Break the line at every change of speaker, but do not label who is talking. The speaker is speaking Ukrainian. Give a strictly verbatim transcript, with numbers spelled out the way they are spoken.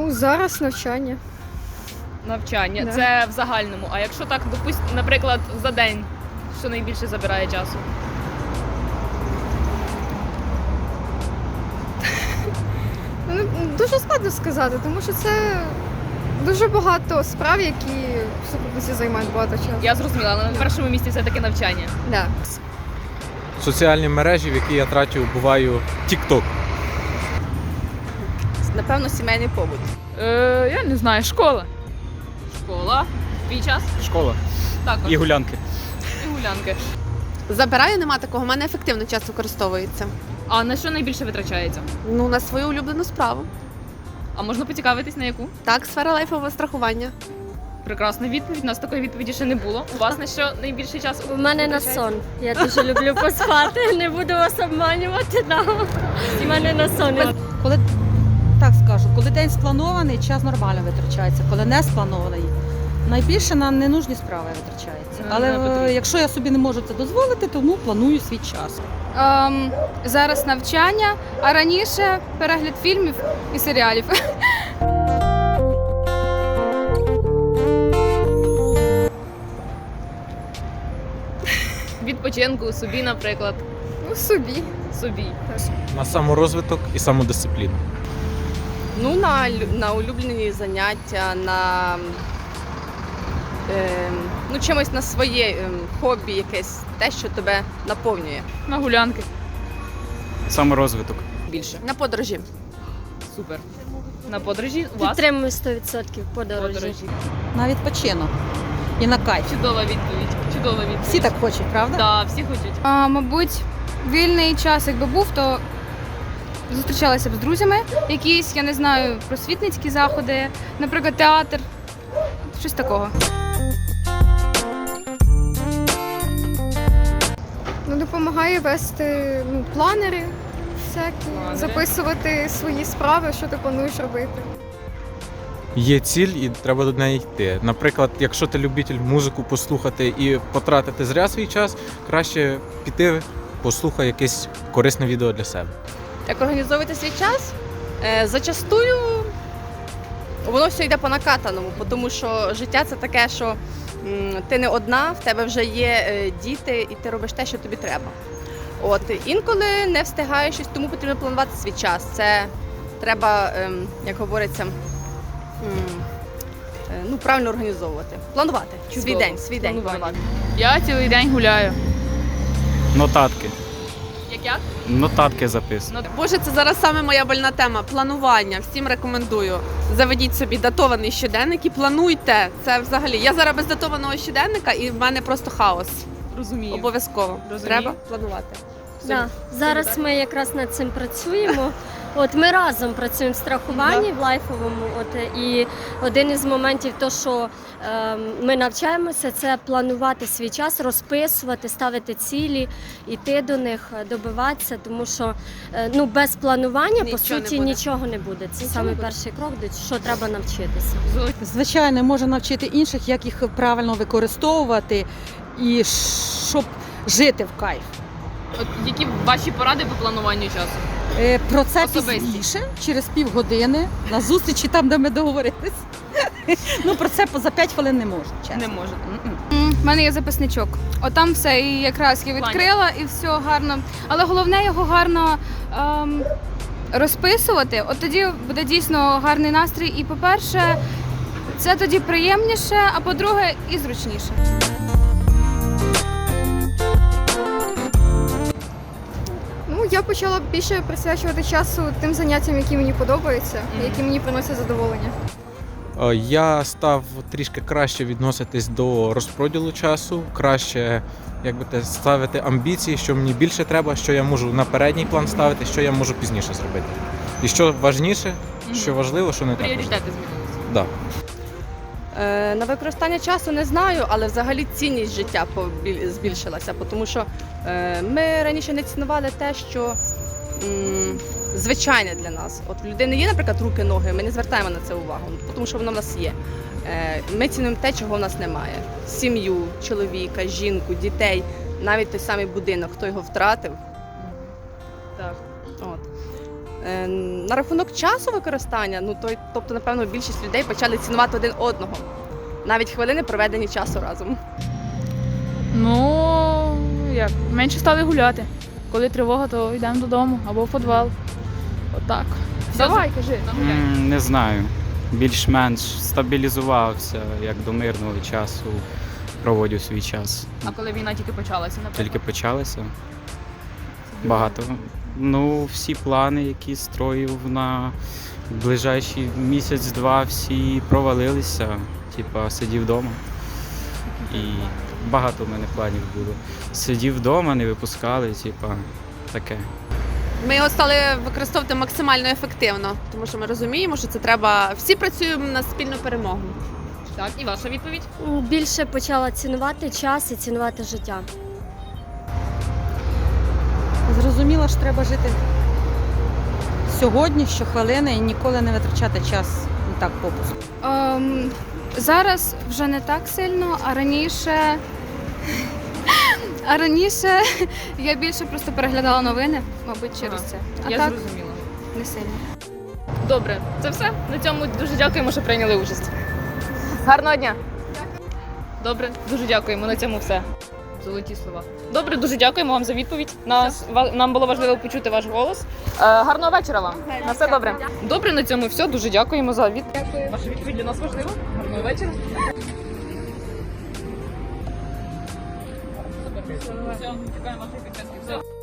Ну, зараз навчання.
Навчання.
Да.
Це в загальному. А якщо так, допустим, наприклад, за день, що найбільше забирає часу?
Ну, дуже складно сказати, тому що це дуже багато справ, які в сукупності займають багато часу.
Я зрозуміла, але на першому місці все-таки навчання.
Да.
Соціальні мережі, в які я трачу, буваю TikTok.
Напевно, сімейний побут.
Е, я не знаю, школа. Школа. Твій час?
Школа.
Також.
І гулянки.
І гулянки.
Забираю, нема такого, у мене ефективно час використовується.
А на що найбільше витрачається?
Ну, на свою улюблену справу.
А можна поцікавитись на яку?
Так, сфера лайфового страхування.
Прекрасна відповідь. У нас такої відповіді ще не було. У вас на що найбільше часу?
У мене на
витрачається?
сон. Я дуже люблю поспати, не буду вас обманювати. Да. У мене на сон.
Коли так скажу, коли день спланований, час нормально витрачається. Коли не спланований, найбільше на ненужні справи витрачається.
Ну,
Але
не потрібно.
е, якщо я собі не можу це дозволити, тому планую свій час.
Ем, зараз навчання, а раніше перегляд фільмів і серіалів.
Відпочинку, собі, наприклад.
Ну, собі.
Собі.
На саморозвиток і самодисципліну.
Ну, на, лю- на улюблені заняття, на е, ну, чимось на своє е, хобі, якесь те, що тебе наповнює.
На гулянки.
Саморозвиток.
Більше.
На подорожі.
Супер. На подорожі у вас?
Підтримую сто відсотків подорожі.
Подорожі.
На відпочинок і на кайф.
Чудова відповідь. Чудова відповідь.
Всі так хочуть, правда?
Так, всі хочуть.
А, мабуть, вільний час, якби був, то зустрічалася б з друзями. Якісь, я не знаю, просвітницькі заходи, наприклад, театр, щось такого.
Ну, допомагає вести ну, планери всякі,
Планери.
записувати свої справи, що ти плануєш робити.
Є ціль і треба до неї йти. Наприклад, якщо ти любитель музику послухати і потратити зря свій час, краще піти, послухай якесь корисне відео для себе.
Як організовувати свій час? Е, зачастую воно все йде по накатаному, тому що життя це таке, що м, ти не одна, в тебе вже є е, діти, і ти робиш те, що тобі треба. От інколи не встигаєш щось, тому потрібно планувати свій час. Це треба, ем, як говориться, м, е, ну, правильно організовувати. Планувати свій
Чудово.
день, свій день
Планування.
планувати.
Я цілий день гуляю.
Нотатки.
Як як?
Нотатки записую.
Боже, це зараз саме моя больна тема. Планування. Всім рекомендую. Заведіть собі датований щоденник і плануйте. Це взагалі. Я зараз без датованого щоденника і в мене просто хаос.
Розумію.
Обов'язково.
Розумію.
Треба планувати.
Да. Зараз ми якраз над цим працюємо. От ми разом працюємо в страхуванні в лайфовому. От і один із моментів, то що е, ми навчаємося, це планувати свій час, розписувати, ставити цілі, йти до них, добиватися, тому що е, ну без планування
Нічого
по
не
суті
буде.
нічого не буде. Це
Нічого
саме
не буде.
перший крок, до що треба навчитися.
Звичайно, може навчити інших, як їх правильно використовувати і щоб жити в кайф.
От які ваші поради по плануванню часу?
Е, Про це
Особисті.
пізніше, через півгодини, на зустрічі там, де ми договорились. Ну, про це за п'ять хвилин не можу, чесно.
Не можете.
У мене є записничок. Отам все і якраз я відкрила, і все гарно. Але головне його гарно ем, розписувати. От тоді буде дійсно гарний настрій. І, по-перше, це тоді приємніше, а по-друге, і зручніше.
Ну, я почала більше присвячувати часу тим заняттям, які мені подобаються, які мені приносять задоволення.
Е, Я став трішки краще відноситись до розподілу часу, краще як би те, ставити амбіції, що мені більше треба, що я можу на передній план ставити, що я можу пізніше зробити. І що важніше, що важливо, що не так важливо.
Пріоритети змінилися.
Да.
Е, на використання часу не знаю, але взагалі цінність життя побіль- збільшилася, тому що е, ми раніше не цінували те, що м, звичайне для нас. От в людини є, наприклад, руки, ноги, ми не звертаємо на це увагу, тому що воно в нас є. Е, ми цінуємо те, чого в нас немає. Сім'ю, чоловіка, жінку, дітей, навіть той самий будинок, хто його втратив.
Так.
От. Е, На рахунок часу використання, ну то, тобто, напевно, більшість людей почали цінувати один одного. Навіть хвилини проведені часу разом.
Ну, як, менше стали гуляти. Коли тривога, то йдемо додому або в підвал. Отак. Давай, кажи.
М, Не знаю. Більш-менш стабілізувався, як до мирного часу проводю свій час.
А коли війна тільки почалася, наприклад?
Тільки почалося. Багато. Ну, всі плани, які строїв на ближайший місяць-два, всі провалилися. Типа сидів вдома. І багато в мене планів було. Сидів вдома, не випускали, типа таке.
Ми його стали використовувати максимально ефективно, тому що ми розуміємо, що це треба. Всі працюємо на спільну перемогу.
Так, і ваша відповідь?
М, Більше почала цінувати час і цінувати життя.
Зрозуміло, що треба жити сьогодні, щохвилини і ніколи не витрачати час не так попусту.
Ем, зараз вже не так сильно, а раніше. А раніше я більше просто переглядала новини, мабуть, через
Ага.
це. А
Я
так
зрозуміла.
не сильно.
Добре, це все. На цьому дуже дякуємо, що прийняли участь. Гарного дня! Добре, дуже дякуємо. На цьому все. Золоті слова. Добре, дуже дякуємо вам за відповідь. Нас, ва- нам було важливо почути ваш голос. Е, гарного вечора вам. На все добре. Добре, на цьому все. Дуже дякуємо за відповідь. Ваша відповідь для нас важлива. Гарного вечора. Все, чекаємо вашої підписки. Все.